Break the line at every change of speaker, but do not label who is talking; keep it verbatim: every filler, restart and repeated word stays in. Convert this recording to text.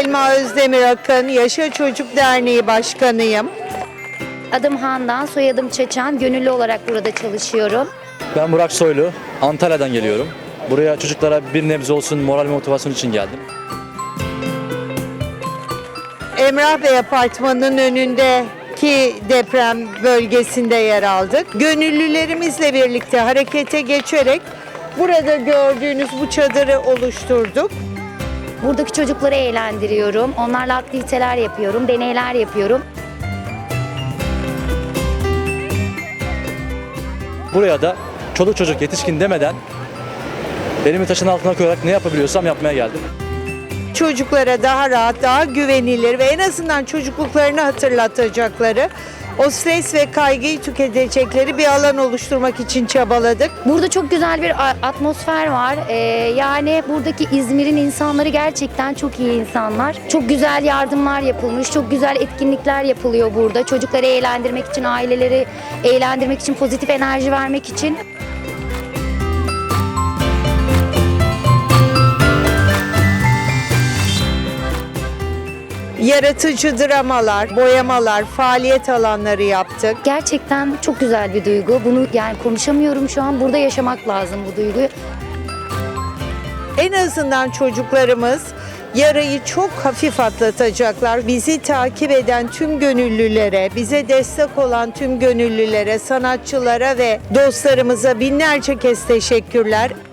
Selma Özdemir Akın, Yaşa Çocuk Derneği Başkanıyım.
Adım Handan, soyadım Çeçen. Gönüllü olarak burada çalışıyorum.
Ben Burak Soylu, Antalya'dan geliyorum. Buraya çocuklara bir nebze olsun moral ve motivasyon için geldim.
Emrah Bey Apartmanı'nın önündeki deprem bölgesinde yer aldık. Gönüllülerimizle birlikte harekete geçerek burada gördüğünüz bu çadırı oluşturduk.
Buradaki çocukları eğlendiriyorum. Onlarla aktiviteler yapıyorum, deneyler yapıyorum.
Buraya da çoluk çocuk yetişkin demeden elimi taşın altına koyarak ne yapabiliyorsam yapmaya geldim.
Çocuklara daha rahat, daha güvenilir ve en azından çocukluklarını hatırlatacakları, o stres ve kaygıyı tüketecekleri bir alan oluşturmak için çabaladık.
Burada çok güzel bir a- atmosfer var. Ee, yani buradaki İzmir'in insanları gerçekten çok iyi insanlar. Çok güzel yardımlar yapılmış, çok güzel etkinlikler yapılıyor burada. Çocukları eğlendirmek için, aileleri eğlendirmek için, pozitif enerji vermek için.
Yaratıcı dramalar, boyamalar, faaliyet alanları yaptık.
Gerçekten çok güzel bir duygu. Bunu yani konuşamıyorum şu an. Burada yaşamak lazım bu duyguyu.
En azından çocuklarımız yarayı çok hafif atlatacaklar. Bizi takip eden tüm gönüllülere, bize destek olan tüm gönüllülere, sanatçılara ve dostlarımıza binlerce kez teşekkürler.